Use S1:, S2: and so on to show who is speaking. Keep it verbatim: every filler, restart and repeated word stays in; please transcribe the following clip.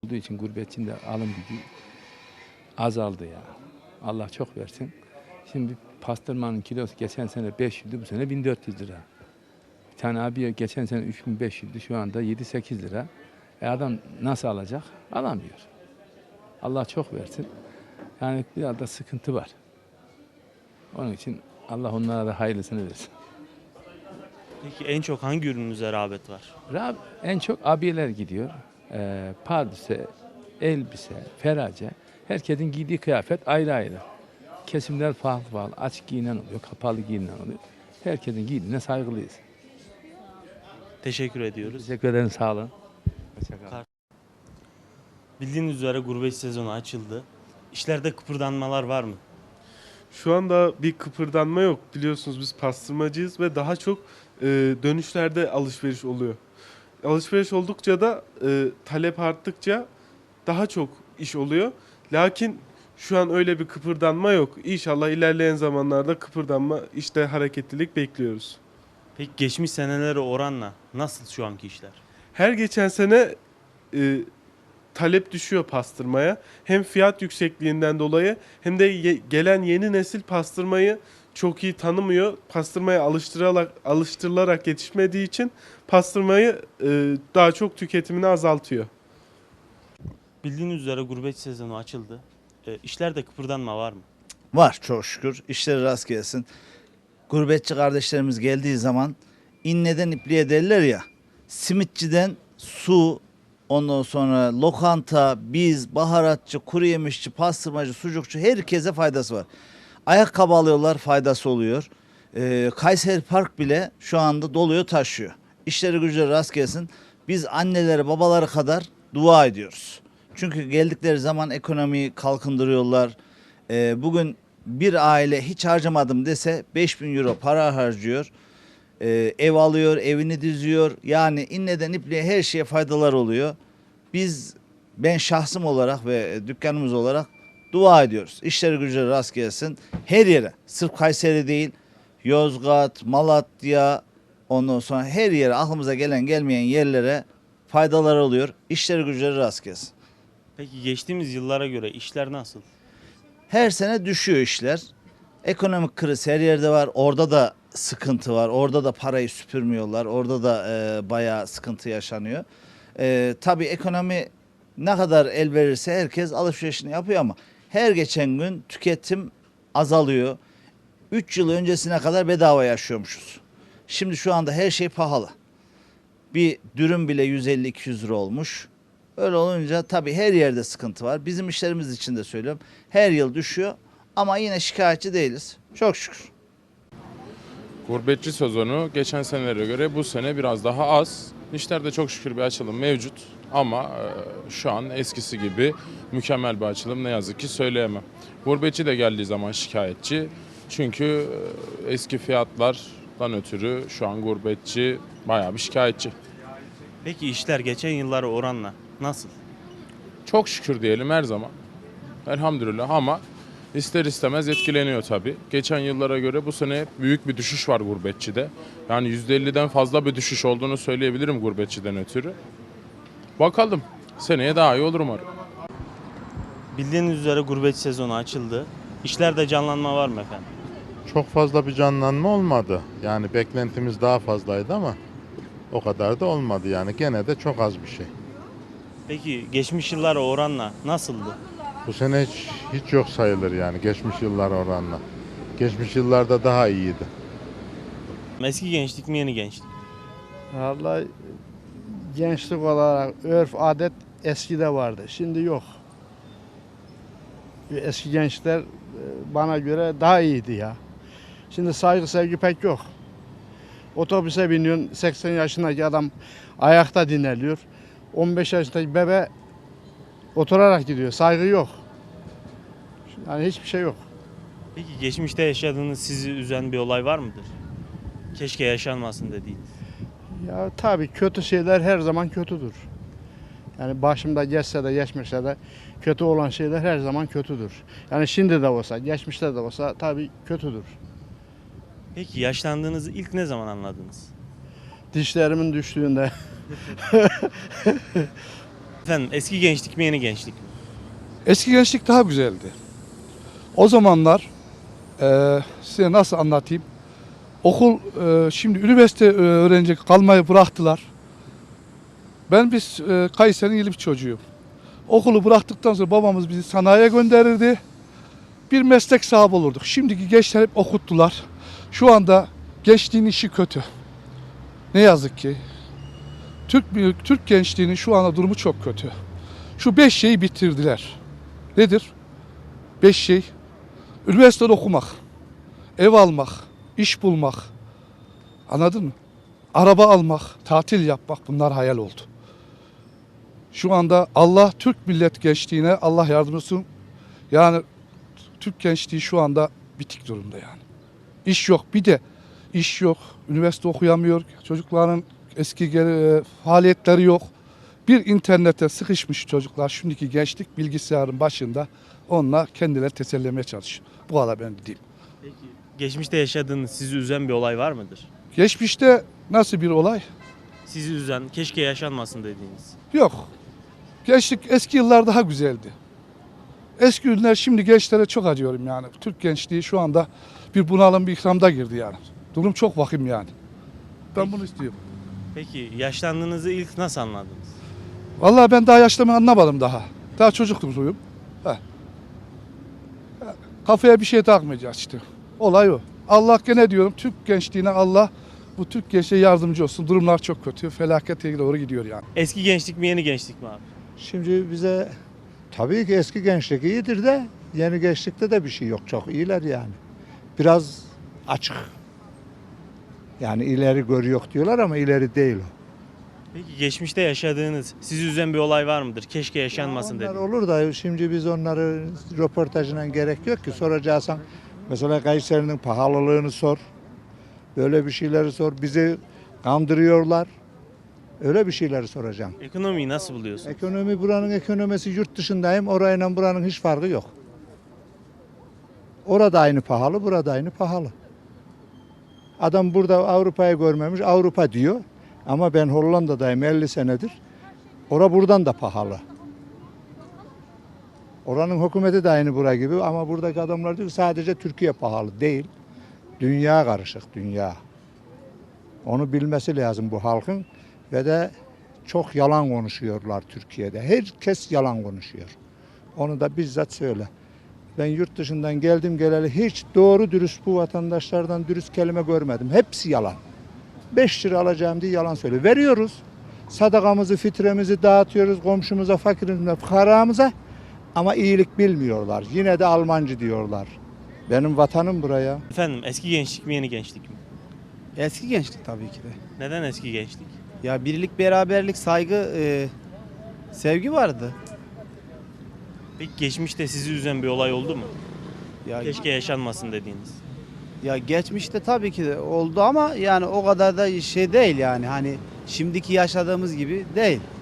S1: olduğu için gurbetçinin de alım gücü azaldı ya. Allah çok versin. Şimdi pastırmanın kilosu geçen sene beş yüzdü, bu sene bin dört yüz lira. Bir tane abiye geçen sene üç bin beş yüzdü, şu anda yedi sekiz lira. E adam nasıl alacak? Alamıyor. Allah çok versin. Yani biraz da sıkıntı var. Onun için Allah onlara da hayırlısını versin.
S2: Peki en çok hangi ürününüze rağbet var?
S1: Rab, en çok abiyeler gidiyor. Ee, pardüse, elbise, ferace. Herkesin giydiği kıyafet ayrı ayrı. Kesimler farklı farklı. Açık giyinen oluyor, kapalı giyinen oluyor. Herkesin giydiğine saygılıyız.
S2: Teşekkür ediyoruz.
S1: Teşekkür ederim, sağ olun. Hoşça kalın.
S2: Bildiğiniz üzere gurbet sezonu açıldı. İşlerde kıpırdanmalar var mı?
S3: Şu anda bir kıpırdanma yok. Biliyorsunuz biz pastırmacıyız ve daha çok e, dönüşlerde alışveriş oluyor. Alışveriş oldukça da e, talep arttıkça daha çok iş oluyor. Lakin şu an öyle bir kıpırdanma yok. İnşallah ilerleyen zamanlarda kıpırdanma, işte hareketlilik bekliyoruz.
S2: Peki geçmiş senelere oranla nasıl şu anki işler?
S3: Her geçen sene e, talep düşüyor pastırmaya. Hem fiyat yüksekliğinden dolayı hem de ye- gelen yeni nesil pastırmayı çok iyi tanımıyor. Pastırmaya alıştırılarak, alıştırılarak yetişmediği için pastırmayı e, daha çok tüketimini azaltıyor.
S2: Bildiğiniz üzere gurbet sezonu açıldı. E, işlerde kıpırdanma var mı?
S4: Var çok şükür. İşleri rast gelsin. Gurbetçi kardeşlerimiz geldiği zaman inneden ipliğe derler ya. Simitçiden su, ondan sonra lokanta, biz, baharatçı, kuru yemişçi, pastırmacı, sucukçu herkese faydası var. Ayakkabı alıyorlar, faydası oluyor. Ee, Kayseri Park bile şu anda doluyor, taşıyor. İşleri güçleri rast gelsin. Biz anneleri, babaları kadar dua ediyoruz. Çünkü geldikleri zaman ekonomiyi kalkındırıyorlar. Ee, bugün bir aile hiç harcamadım dese beş bin euro para harcıyor. Ee, ev alıyor, evini düzüyor. Yani inneden ipliğe her şeye faydalar oluyor. Biz, ben şahsım olarak ve dükkanımız olarak dua ediyoruz. İşleri güçleri rast gelsin. Her yere, sırf Kayseri değil, Yozgat, Malatya, ondan sonra her yere, aklımıza gelen gelmeyen yerlere faydalar oluyor. İşleri güçleri rast gelsin.
S2: Peki geçtiğimiz yıllara göre işler nasıl?
S4: Her sene düşüyor işler. Ekonomik kriz her yerde var. Orada da sıkıntı var. Orada da parayı süpürmüyorlar. Orada da e, bayağı sıkıntı yaşanıyor. E, tabii ekonomi ne kadar el verirse herkes alışverişini yapıyor ama her geçen gün tüketim azalıyor. üç yıl öncesine kadar bedava yaşıyormuşuz. Şimdi şu anda her şey pahalı. Bir dürüm bile yüz elli iki yüz lira olmuş. Öyle olunca tabii her yerde sıkıntı var. Bizim işlerimiz için de söylüyorum. Her yıl düşüyor ama yine şikayetçi değiliz. Çok şükür.
S5: Gurbetçi sezonu geçen senelere göre bu sene biraz daha az. İşlerde çok şükür bir açılım mevcut ama e, şu an eskisi gibi mükemmel bir açılım ne yazık ki söyleyemem. Gurbetçi de geldiği zaman şikayetçi. Çünkü e, eski fiyatlardan ötürü şu an gurbetçi bayağı bir şikayetçi.
S2: Peki işler geçen yıllara oranla nasıl?
S5: Çok şükür diyelim her zaman. Elhamdülillah ama ister istemez etkileniyor tabii. Geçen yıllara göre bu sene büyük bir düşüş var gurbetçide. Yani yüzde elliden fazla bir düşüş olduğunu söyleyebilirim gurbetçiden ötürü. Bakalım. Seneye daha iyi olur umarım.
S2: Bildiğiniz üzere gurbet sezonu açıldı. İşlerde canlanma var mı efendim?
S6: Çok fazla bir canlanma olmadı. Yani beklentimiz daha fazlaydı ama o kadar da olmadı yani. Gene de çok az bir şey.
S2: Peki geçmiş yıllara oranla nasıldı?
S6: Bu sene hiç, hiç yok sayılır yani geçmiş yıllar oranla. Geçmiş yıllarda daha iyiydi.
S2: Eski gençlik mi yeni gençlik?
S7: Vallahi gençlik olarak örf adet eskide vardı. Şimdi yok. Eski gençler e, bana göre daha iyiydi ya. Şimdi saygı sevgi pek yok. Otobüse biniyorsun, seksen yaşındaki adam ayakta dinleniyor. on beş yaşındaki bebe oturarak gidiyor. Saygı yok. Yani hiçbir şey yok.
S2: Peki geçmişte yaşadığınız sizi üzen bir olay var mıdır? Keşke yaşanmasın dediğiniz.
S7: Ya tabii kötü şeyler her zaman kötüdür. Yani başımda geçse de geçmişte de kötü olan şeyler her zaman kötüdür. Yani şimdi de olsa, geçmişte de olsa tabii kötüdür.
S2: Peki yaşlandığınızı ilk ne zaman anladınız?
S7: Dişlerimin düştüğünde
S2: Efendim eski gençlik mi yeni gençlik mi?
S8: Eski gençlik daha güzeldi. O zamanlar eee, size nasıl anlatayım? Okul eee, şimdi üniversite eee, öğrenci kalmayı bıraktılar. Ben biz eee, Kayseri'nin İlip çocuğuyum. Okulu bıraktıktan sonra babamız bizi sanayiye gönderirdi. Bir meslek sahibi olurduk. Şimdiki gençler hep okuttular. Şu anda gençliğin işi kötü. Ne yazık ki. Türk Türk gençliğinin şu anda durumu çok kötü. Şu beş şeyi bitirdiler. Nedir? Beş şey. Üniversitede okumak, ev almak, iş bulmak. Anladın mı? Araba almak, tatil yapmak, bunlar hayal oldu. Şu anda Allah Türk millet gençliğine Allah yardım etsin. Yani Türk gençliği şu anda bitik durumda yani. İş yok. Bir de iş yok. Üniversite okuyamıyor. Çocukların eski geri, faaliyetleri yok. Bir internete sıkışmış çocuklar. Şimdiki gençlik bilgisayarın başında. Onunla kendileri tesellemeye çalışıyor. Bu kadar ben diyeyim.
S2: Peki geçmişte yaşadığınız sizi üzen bir olay var mıdır?
S8: Geçmişte nasıl bir olay?
S2: Sizi üzen, keşke yaşanmasın dediğiniz.
S8: Yok. Gençlik eski yıllar daha güzeldi. Eski günler şimdi gençlere çok acıyorum yani. Türk gençliği şu anda bir bunalım bir ikramda girdi yani. Durum çok vahim yani. Ben bunu istiyorum.
S2: Peki yaşlandığınızı ilk nasıl anladınız?
S8: Vallahi ben daha yaşlamayı anlamadım daha. Daha çocukluğum. Heh. Kafaya bir şey takmayacağız işte. Olay o. Allah gene diyorum Türk gençliğine Allah bu Türk gençliğe yardımcı olsun. Durumlar çok kötü. Felakete doğru gidiyor yani.
S2: Eski gençlik mi yeni gençlik mi abi?
S9: Şimdi bize tabii ki eski gençlik iyidir de yeni gençlikte de bir şey yok. Çok iyiler yani. Biraz açık. Yani ileri görüyor diyorlar ama ileri değil o.
S2: Peki geçmişte yaşadığınız, sizi üzen bir olay var mıdır? Keşke yaşanmasın
S9: Onlar
S2: dediğiniz.
S9: olur da şimdi biz onları röportajına gerek yok ki. Soracaksan mesela Kayseri'nin pahalılığını sor. Böyle bir şeyleri sor. Bizi kandırıyorlar. Öyle bir şeyleri soracağım.
S2: Ekonomiyi nasıl buluyorsun?
S9: Ekonomi buranın ekonomisi yurt dışındayım. Orayla buranın hiç farkı yok. Orada aynı pahalı, burada aynı pahalı. Adam burada Avrupa'yı görmemiş, Avrupa diyor. Ama ben Hollanda'dayım elli senedir. Ora buradan da pahalı. Oranın hükümeti de aynı bura gibi ama buradaki adamlar diyor ki sadece Türkiye pahalı değil. Dünya karışık, dünya. Onu bilmesi lazım bu halkın ve de çok yalan konuşuyorlar Türkiye'de. Herkes yalan konuşuyor. Onu da bizzat söyle. Ben yurt dışından geldim geleli hiç doğru dürüst bu vatandaşlardan dürüst kelime görmedim. Hepsi yalan. beş lira alacağım diye yalan söylüyor. Veriyoruz. Sadakamızı, fitremizi dağıtıyoruz komşumuza, fakirimize, fukaramıza ama iyilik bilmiyorlar. Yine de Almancı diyorlar. Benim vatanım buraya.
S2: Efendim eski gençlik mi yeni gençlik mi?
S10: Eski gençlik tabii ki de.
S2: Neden eski gençlik?
S10: Ya birlik, beraberlik, saygı, e, sevgi vardı.
S2: Peki geçmişte sizi üzen bir olay oldu mu?
S10: Ya,
S2: Keşke yaşanmasın dediğiniz.
S10: ya geçmişte tabii ki de oldu ama yani o kadar da şey değil yani hani şimdiki yaşadığımız gibi değil.